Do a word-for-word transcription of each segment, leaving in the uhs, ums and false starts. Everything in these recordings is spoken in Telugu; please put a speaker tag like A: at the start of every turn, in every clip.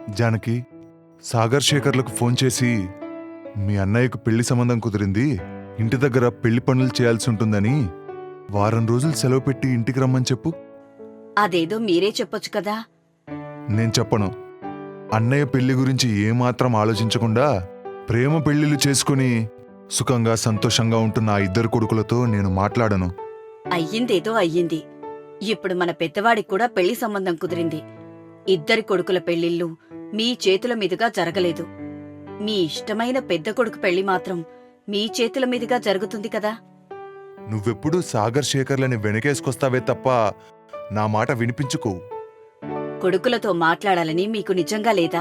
A: జానకి, సాగర్ శేఖర్లకు ఫోన్ చేసి మీ అన్నయ్యకు పెళ్లి సంబంధం కుదిరింది, ఇంటి దగ్గర పెళ్లి పనులు చేయాల్సి ఉంటుందని వారం రోజులు సెలవు పెట్టి ఇంటికి రమ్మని చెప్పు.
B: అదేదో మీరే చెప్పొచ్చు కదా.
A: నేను చెప్పను. అన్నయ్య పెళ్లి గురించి ఏమాత్రం ఆలోచించకుండా ప్రేమ పెళ్లిళ్ళు చేసుకుని సుఖంగా సంతోషంగా ఉంటున్న ఆ ఇద్దరు కొడుకులతో నేను మాట్లాడను.
B: అయ్యిందేదో అయ్యింది. ఇప్పుడు మన పెద్దవాడికి కూడా పెళ్లి సంబంధం కుదిరింది. ఇద్దరి కొడుకుల పెళ్లిళ్ళు మీ చేతుల మీదుగా జరగలేదు. మీ ఇష్టమైన పెద్ద కొడుకు పెళ్లి మాత్రం మీ చేతుల మీదుగా జరుగుతుంది కదా.
A: నువ్వెప్పుడూ సాగర్ శేఖర్లని వెనకేసుకొస్తావే తప్ప నా మాట వినిపించుకో.
B: కొడుకులతో మాట్లాడాలని మీకు నిజంగా లేదా?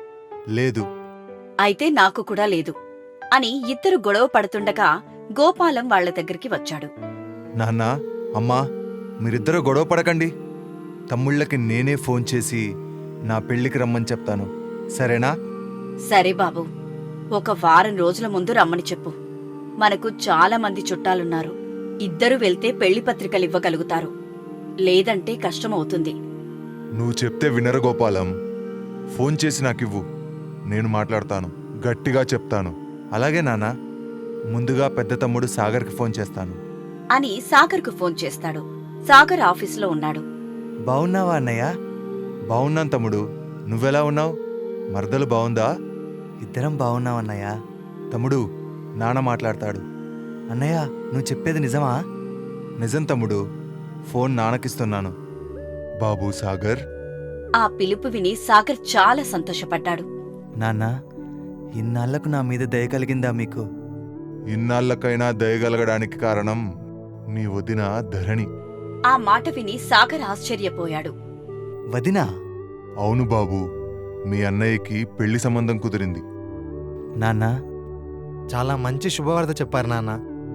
A: లేదు.
B: అయితే నాకు కూడా లేదు అని ఇద్దరు గొడవ పడుతుండగా గోపాలం వాళ్ల దగ్గరికి వచ్చాడు.
C: నాన్నా, అమ్మా, మీరిద్దరూ గొడవ పడకండి. తమ్ముళ్ళకి నేనే ఫోన్ చేసి నా పెళ్లికి రమ్మని చెప్తాను, సరేనా?
B: సరే బాబు, ఒక వారం రోజుల ముందు రమ్మని చెప్పు. మనకు చాలా మంది చుట్టాలున్నారు. ఇద్దరు వెళ్తే పెళ్లి పత్రికలివ్వగలుగుతారు. లేదంటే కష్టమవుతుంది.
A: నువ్వు చెప్తే వినరు గోపాలం. ఫోన్ చేసి నాకివ్వు, నేను మాట్లాడతాను, గట్టిగా చెప్తాను.
C: అలాగే నాన్నా, ముందుగా పెద్ద తమ్ముడు సాగర్కి ఫోన్ చేస్తాను
B: అని సాగర్కు ఫోన్ చేస్తాడు. సాగర్ ఆఫీసులో ఉన్నాడు.
C: బావున్నావా అన్నయ్య? బావున్నాను తమ్ముడు, నువ్వెలా ఉన్నావు? మరదలు బావుందా? ఇద్దరం బావున్నావన్నయ్య. తమ్ముడు, నాన్న మాట్లాడతాడు. అన్నయ్య, నువ్వు చెప్పేది నిజమా? నిజం తమ్ముడు, ఫోన్ నాన్నకిస్తున్నాను.
A: బాబూ సాగర్.
B: ఆ పిలుపు విని సాగర్ చాలా సంతోషపడ్డాడు.
C: నాన్న, ఇన్నాళ్లకు నా మీద దయ కలిగిందా మీకు?
A: ఇన్నాళ్లకైనా దయగలగడానికి కారణం నీ వదిన ధరణి.
B: ఆ మాట విని సాగర్ ఆశ్చర్యపోయాడు.
C: వదినా?
A: అవును బాబూ, మీ అన్నయ్యకి పెళ్లి సంబంధం కుదిరింది.
C: నాన్న,
D: చాలా మంచి శుభవార్త చెప్పారు నాన్న.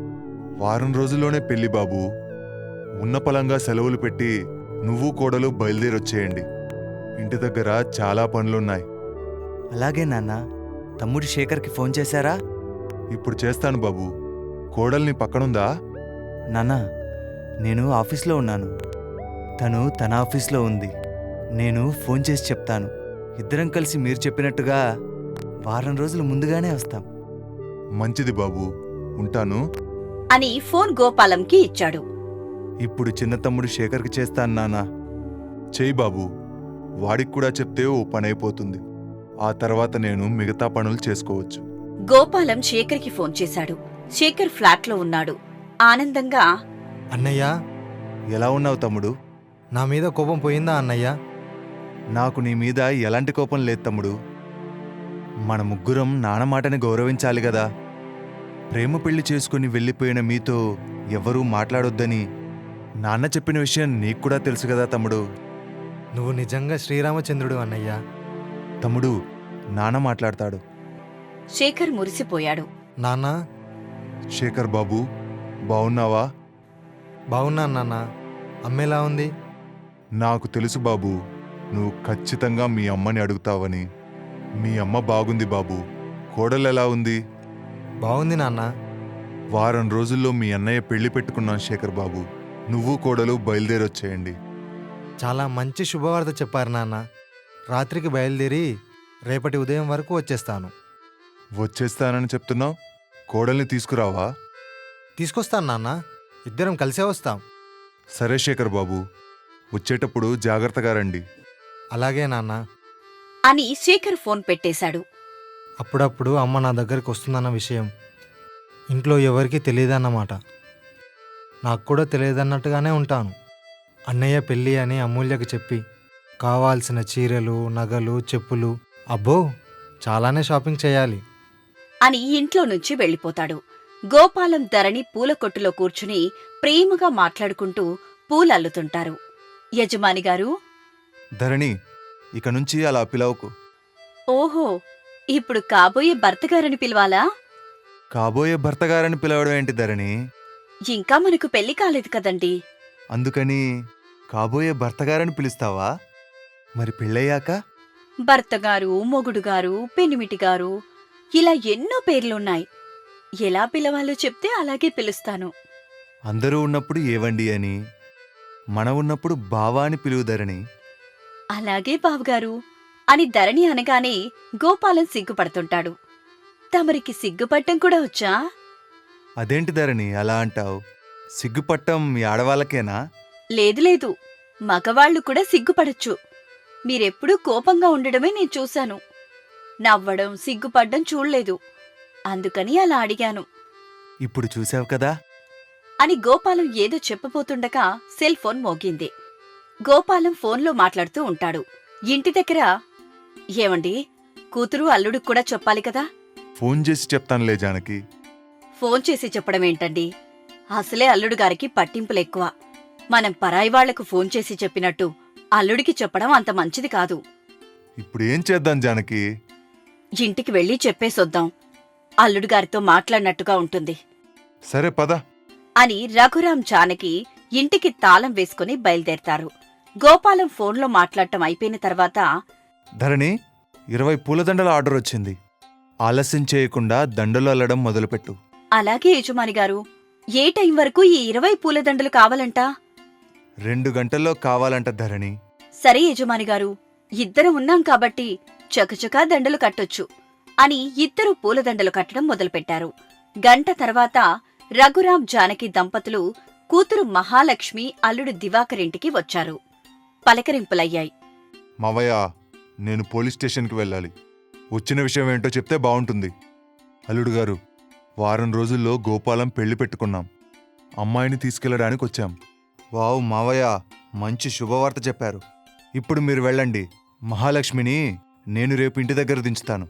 A: వారం రోజుల్లోనే పెళ్లి బాబూ. ఉన్న పలంగా సెలవులు పెట్టి నువ్వు కోడలు బయలుదేరొచ్చేయండి. ఇంటి దగ్గర చాలా పనులున్నాయి.
C: అలాగే నాన్న. తమ్ముడు శేఖర్కి ఫోన్ చేశారా?
A: ఇప్పుడు చేస్తాను బాబూ. కోడల్ని పక్కనుందా?
C: నాన్న, నేను ఆఫీస్లో ఉన్నాను, తను తన ఆఫీస్లో ఉంది. నేను ఫోన్ చేసి చెప్తాను. ఇద్దరం కలిసి మీరు చెప్పినట్టుగా వారం రోజులు ముందుగానే వస్తాం.
A: మంచిది బాబూ, ఉంటాను
B: అని ఫోన్ గోపాలంకి ఇచ్చాడు.
C: ఇప్పుడు చిన్న తమ్ముడు శేఖర్కి చేస్తాను నాన్న.
A: చెయ్యి బాబూ. వాడికి కూడా చెప్తే ఓ పనైపోతుంది. ఆ తర్వాత నేను మిగతా పనులు చేసుకోవచ్చు.
B: గోపాలం శేఖర్కి ఫోన్ చేశాడు. శేఖర్ ఫ్లాట్లో ఉన్నాడు. ఆనందంగా,
D: అన్నయ్య,
C: ఎలా ఉన్నావు తమ్ముడు?
D: నా మీద కోపం పోయిందా అన్నయ్య?
C: నాకు నీ మీద ఎలాంటి కోపం లేదు తమ్ముడు. మన ముగ్గురం నాన్న మాటని గౌరవించాలి గదా. ప్రేమ పెళ్లి చేసుకుని వెళ్ళిపోయిన మీతో ఎవరూ మాట్లాడొద్దని నాన్న చెప్పిన విషయం నీకు కూడా తెలుసు కదా తమ్ముడు.
D: నువ్వు నిజంగా శ్రీరామచంద్రుడు అన్నయ్య.
C: తమ్ముడు, నాన్న మాట్లాడతాడు.
B: శేఖర్ మురిసిపోయాడు.
D: నాన్న,
A: శేఖర్ బాబూ, బావున్నావా?
D: బాగున్నాను నాన్న. అమ్మేలా ఉంది?
A: నాకు తెలుసు బాబూ, నువ్వు ఖచ్చితంగా మీ అమ్మని అడుగుతావని. మీ అమ్మ బాగుంది బాబూ. కోడలెలా ఉంది?
D: బాగుంది నాన్న.
A: వారం రోజుల్లో మీ అన్నయ్య పెళ్లి పెట్టుకున్నాను శేఖర్ బాబూ. నువ్వు కోడలు బయలుదేరొచ్చేయండి.
D: చాలా మంచి శుభవార్త చెప్పారు నాన్న. రాత్రికి బయలుదేరి రేపటి ఉదయం వరకు వచ్చేస్తాను.
A: వచ్చేస్తానని చెప్తున్నావు, కోడల్ని తీసుకురావా?
D: తీసుకొస్తాను నాన్న. ఇద్దరం కలిసే వస్తాం.
A: సరే శేఖర్ బాబూ, వచ్చేటప్పుడు జాగ్రత్తగా రండి.
D: అలాగే నాన్న.
B: అని శేఖర్ ఫోన్ పెట్టేశాడు.
D: అప్పుడప్పుడు అమ్మ నా దగ్గరికి వస్తుందన్న విషయం ఇంట్లో ఎవరికీ తెలియదన్నమాట. నాకు కూడా తెలియదన్నట్టుగానే ఉంటాను. అన్నయ్య పెళ్ళి అని అమూల్యకు చెప్పి కావాల్సిన చీరలు, నగలు, చెప్పులు, అబ్బో చాలానే షాపింగ్ చేయాలి
B: అని ఇంట్లో నుంచి వెళ్ళిపోతాడు. గోపాలం ధరణి పూల కొట్టులో కూర్చుని ప్రేమగా మాట్లాడుకుంటూ పూలల్లుతుంటారు. యజమానిగారు.
C: ధరణి, ఇక నుంచి అలా పిలవకు.
B: ఓహో, ఇప్పుడు కాబోయే భర్తగారని పిలవాలా?
C: కాబోయే భర్తగారని పిలవడం ఏంటి ధరణి?
B: ఇంకా మనకు పెళ్లి కాలేదు కదండి.
C: అందుకని కాబోయే భర్తగారని పిలుస్తావా? మరి పెళ్ళయ్యాక?
B: భర్తగారు, మొగుడుగారు, పెనిమిటిగారు, ఇలా ఎన్నో పేర్లున్నాయి. ఎలా పిలవాలో చెప్తే అలాగే పిలుస్తాను.
C: అందరూ ఉన్నప్పుడు ఏవండి అని, మన ఉన్నప్పుడు బావా అని పిలువు ధరణి.
B: అలాగే బావగారు. అని ధరణి అనగానే గోపాలం సిగ్గుపడుతుంటాడు. తమరికి సిగ్గుపట్టం కూడా వచ్చా?
C: అదేంటి ధరణి అలా అంటావు? సిగ్గుపట్టం మీ ఆడవాళ్ళకేనా?
B: లేదు లేదు, మగవాళ్లు కూడా సిగ్గుపడచ్చు. మీరెప్పుడూ కోపంగా ఉండడమే నేను చూశాను. నవ్వడం సిగ్గుపడ్డం చూడలేదు. అందుకని అలా అడిగాను
C: ఇప్పుడు చూసావు కదా.
B: అని గోపాలం ఏదో చెప్పబోతుండగా సెల్ ఫోన్ మోగింది. గోపాలం ఫోన్లో మాట్లాడుతూ ఉంటాడు. ఇంటి దగ్గర, ఏమండి, కూతురు అల్లుడికి కూడా చెప్పాలి కదా?
A: ఫోన్ చేసి చెప్తానులే జానకి.
B: ఫోన్ చేసి చెప్పడమేంటండి? అసలే అల్లుడు గారికి పట్టింపులెక్కువ. మనం పరాయి వాళ్లకు ఫోన్ చేసి చెప్పినట్టు అల్లుడికి చెప్పడం అంత మంచిది కాదు.
A: ఇప్పుడు ఏం చేద్దాం జానకి?
B: ఇంటికి వెళ్ళి చెప్పేసొద్దాం. అల్లుడు గారితో మాట్లాడినట్టుగా ఉంటుంది
A: సరే పద.
B: అని రఘురాం జానకి ఇంటికి తాళం వేసుకుని బయలుదేరతారు. గోపాలం ఫోన్లో మాట్లాడటం అయిపోయిన తర్వాత,
C: ధరణి, ఇరవై పూలదండల ఆర్డర్ వచ్చింది. ఆలస్యం చేయకుండా దండలు అల్లడం మొదలుపెట్టు.
B: అలాగే యజమాని గారు. ఏ టైం వరకు ఈ ఇరవై పూలదండలు కావాలంట?
C: రెండు గంటల్లో కావాలంట ధరణి.
B: సరే యజమాని గారు, ఇద్దరం ఉన్నాం కాబట్టి చకచకా దండలు కట్టొచ్చు అని ఇద్దరు పూలదండలు కట్టడం మొదలుపెట్టారు. గంట తర్వాత రఘురాం జానకి దంపతులు కూతురు మహాలక్ష్మి అల్లుడు దివాకరింటికి వచ్చారు. పలకరింపులయ్యాయి.
A: మావయ్య, నేను పోలీస్ స్టేషన్కి వెళ్ళాలి. వచ్చిన విషయం ఏంటో చెప్తే బావుంటుంది. అల్లుడు గారు, వారం రోజుల్లో గోపాలం పెళ్లి పెట్టుకున్నాం. అమ్మాయిని తీసుకెళ్లడానికి వచ్చాం.
C: వావ్ మావయ్య, మంచి శుభవార్త చెప్పారు. ఇప్పుడు మీరు వెళ్ళండి. మహాలక్ష్మిని నేను రేపు ఇంటి దగ్గర దించుతాను.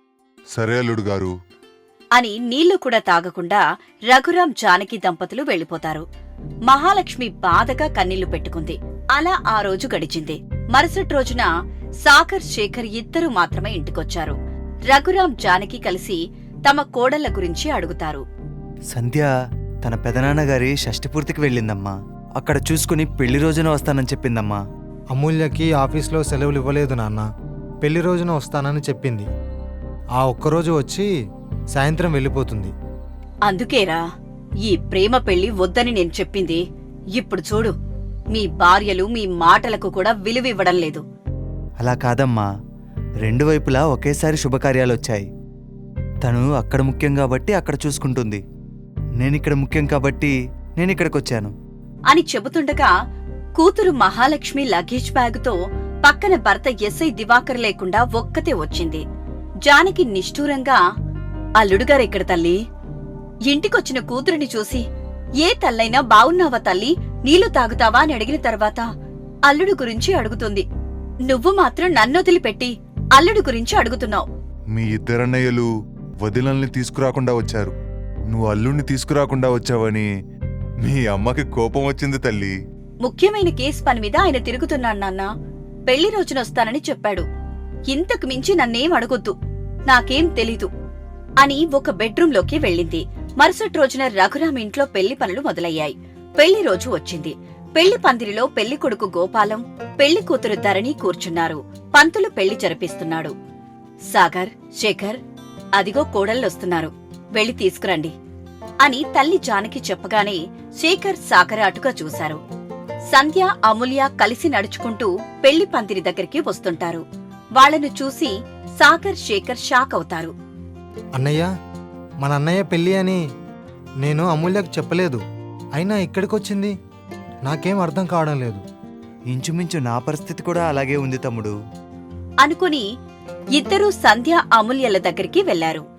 A: సరే అల్లుడు గారు
B: అని నీళ్లు కూడా తాగకుండా రఘురాం జానకి దంపతులు వెళ్లిపోతారు. మహాలక్ష్మి బాధగా కన్నీళ్లు పెట్టుకుంది. అలా ఆ రోజు గడిచింది. మరుసటి రోజున సాగర్, శేఖర్ ఇద్దరూ మాత్రమే ఇంటికొచ్చారు. రఘురాం జానకి కలిసి తమ కోడళ్ల గురించి అడుగుతారు.
C: సంధ్య తన పెదనాన్నగారి షష్ఠపూర్తికి వెళ్ళిందమ్మా. అక్కడ చూసుకుని పెళ్లి రోజున వస్తానని చెప్పిందమ్మా.
D: అమూల్యకి ఆఫీస్లో సెలవులు ఇవ్వలేదు నాన్న. పెళ్లి రోజున వస్తానని చెప్పింది. ఆ ఒక్కరోజు వచ్చి సాయంత్రం వెళ్ళిపోతుంది.
B: అందుకేరా ఈ ప్రేమ పెళ్లి వద్దని నేను చెప్పింది. ఇప్పుడు చూడు, మీ భార్యలు మీ మాటలకు కూడా విలువివ్వడం లేదు.
C: అలా కాదమ్మా, రెండు వైపులా ఒకేసారి శుభకార్యాలొచ్చాయి. తను అక్కడ ముఖ్యం కాబట్టి అక్కడ చూసుకుంటుంది. నేనిక్కడ ముఖ్యం కాబట్టి నేనిక్కడికొచ్చాను
B: అని చెబుతుండగా కూతురు మహాలక్ష్మి లగేజ్ బ్యాగుతో పక్కన భర్త ఎస్ఐ దివాకర్ లేకుండా ఒక్కతే వచ్చింది. జానకి నిష్ఠూరంగా, అల్లుడుగారెక్కడ తల్లి? ఇంటికొచ్చిన కూతురిని చూసి, ఏ తల్లైనా బావున్నావా తల్లి, నీళ్లు తాగుతావా అని అడిగిన తర్వాత అల్లుడు గురించి అడుగుతుంది. నువ్వు మాత్రం నన్నొదిలిపెట్టి అల్లుడు గురించి అడుగుతున్నావు.
A: మీ ఇద్దరన్నయ్యలు వదినల్ని తీసుకురాకుండా వచ్చారు. నువ్వు అల్లుణ్ణి తీసుకురాకుండా వచ్చావని మీ అమ్మకి కోపం వచ్చింది తల్లి.
B: ముఖ్యమైన కేసు పని మీద ఆయన తిరుగుతున్నాడు నాన్నా. పెళ్లి రోజునొస్తానని చెప్పాడు. ఇంతకు మించి నన్నేం అడగొద్దు, నాకేం తెలీదు అని ఒక బెడ్రూంలోకి వెళ్ళింది. మరుసటి రోజున రఘురాం ఇంట్లో పెళ్లి పనులు మొదలయ్యాయి. పెళ్లి రోజు వచ్చింది. పెళ్లి పందిరిలో పెళ్లి కొడుకు గోపాలం, పెళ్లి కూతురు ధరణి కూర్చున్నారు. పంతులు పెళ్లి జరిపిస్తున్నాడు. సాగర్, శేఖర్, అదిగో కోడళ్ళొస్తున్నారు, వెళ్లి తీసుకురండి అని తల్లి జానకి చెప్పగానే శేఖర్, సాగర్ అటుగా చూశారు. సంధ్య, అమూల్య కలిసి నడుచుకుంటూ పెళ్లి పందిరి దగ్గరికి వస్తుంటారు. వాళ్లను చూసి సాగర్, శేఖర్ షాక్ అవుతారు.
D: అన్నయ్య, మన అన్నయ్య పెళ్ళి అని నేను అమూల్యకు చెప్పలేదు. అయినా ఇక్కడికొచ్చింది. నాకేం అర్థం కావడం లేదు.
C: ఇంచుమించు నా పరిస్థితి కూడా అలాగే ఉంది తమ్ముడు
B: అనుకుని ఇద్దరూ సంధ్య, అమూల్యల దగ్గరికి వెళ్లారు.